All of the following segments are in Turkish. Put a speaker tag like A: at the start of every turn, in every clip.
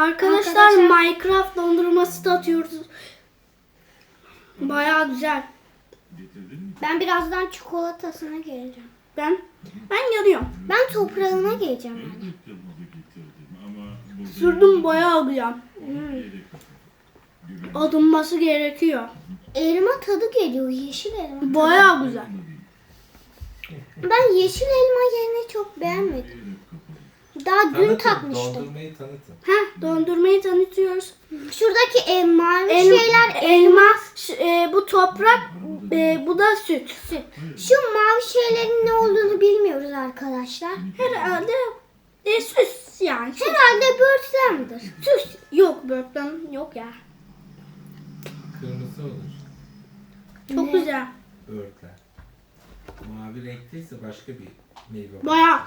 A: Arkadaşlar Minecraft dondurması da atıyoruz. Bayağı güzel.
B: Ben birazdan çikolatasına geleceğim.
A: Ben yanıyorum.
B: Ben toprağına geleceğim yani.
A: Sürdüm bayağı güzel. Adınması gerekiyor.
B: Elma tadı geliyor. Yeşil elma.
A: Bayağı güzel.
B: Ben yeşil elma yerini çok beğenmedim. Daha dün tatmıştım.
C: Dondurmayı tanıtın.
A: Dondurmayı tanıtıyoruz.
B: Şuradaki mavi şeyler
A: elma, bu toprak, bu da süt.
B: Şu mavi şeylerin ne olduğunu bilmiyoruz arkadaşlar.
A: Herhalde süs yani.
B: Herhalde böğürtlen midir?
A: Süs. Yok böğürtlen yok ya.
C: Kırmızı olur.
A: Çok
B: Ne?
A: güzel.
C: Böğürtlen. Mavi renkteyse başka bir meyve.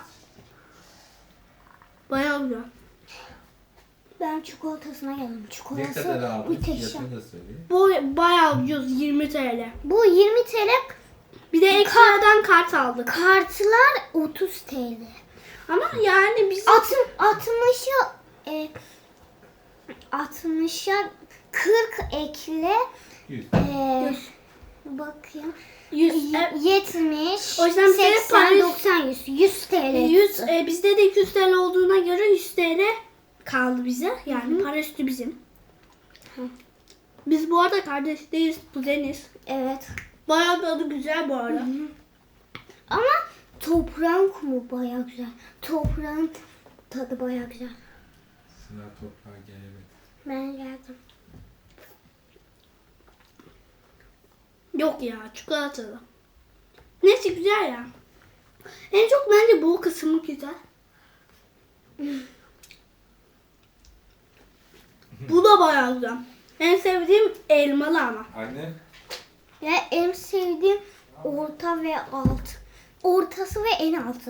A: Bayağı güzel.
B: Ben çikolatasına geldim.
C: Ne
B: Çikolatası
C: kadar aldın?
B: müthişem.
C: Fiyatını da söyle.
A: Bu bayağı ucuz, 20 TL.
B: Bu 20 TL.
A: Bir de ekstradan kart aldık.
B: Kartlar 30 TL.
A: Ama yani biz
B: 60'a 40 ekle
C: 100.
B: bakayım
A: 100,
B: 70
A: O yüzden bize
B: 80
A: Paris-
B: 90 100 TL.
A: 100 bizde de 200 TL olduğuna göre 100 TL kaldı bize. Yani para üstü bizim. Biz bu arada kardeş değiliz, kuzeniz.
B: Evet.
A: Bayağı tadı güzel bu arada.
B: Ama toprağın kumu baya güzel. Toprağın tadı baya güzel.
C: Sınav toprağa gelemedi.
B: Ben geldim.
A: Yok ya, çikolatalı. Neyse güzel ya. En çok bence bu kısmı güzel. Bu da bayağı güzel. En sevdiğim elmalı ama.
C: Anne.
B: Ya en sevdiğim orta ve alt. Ortası ve en altı.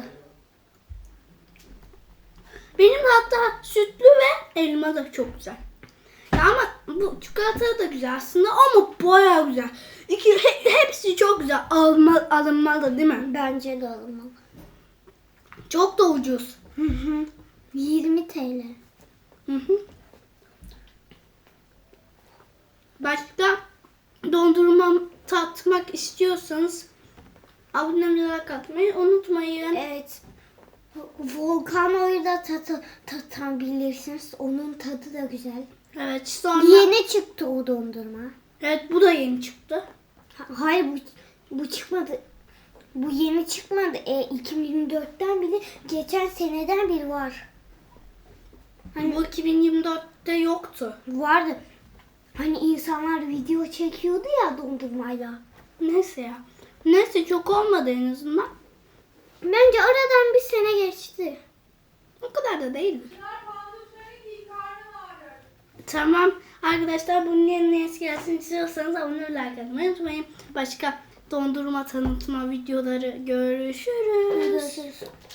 A: Benim hatta sütlü ve elma da çok güzel. Ya ama bu çikolata da güzel aslında ama bayağı güzel. Hepsi çok güzel. Alınmalı değil mi?
B: Bence de alınmalı.
A: Çok da ucuz.
B: 20 TL.
A: Hı hı. Başka dondurma tatmak istiyorsanız abone katmayı unutmayın.
B: Evet. Volcano'yu da tatabilirsiniz. Onun tadı da güzel.
A: Evet sonra.
B: Yeni çıktı o dondurma.
A: Evet bu da yeni çıktı.
B: Hayır bu çıkmadı. Bu yeni çıkmadı. 2024'ten biri geçen seneden biri var.
A: Bu 2024'te yoktu.
B: Vardı. Hani insanlar video çekiyordu ya dondurmayla.
A: Neyse ya. Neyse çok olmadı en azından.
B: Bence aradan bir sene geçti.
A: O kadar da değil. Tamam arkadaşlar bunun yerine eski gelsin istiyorsanız abone ve like atmayı unutmayın. Başka dondurma tanıtma videoları görüşürüz.
B: Görüşürüz.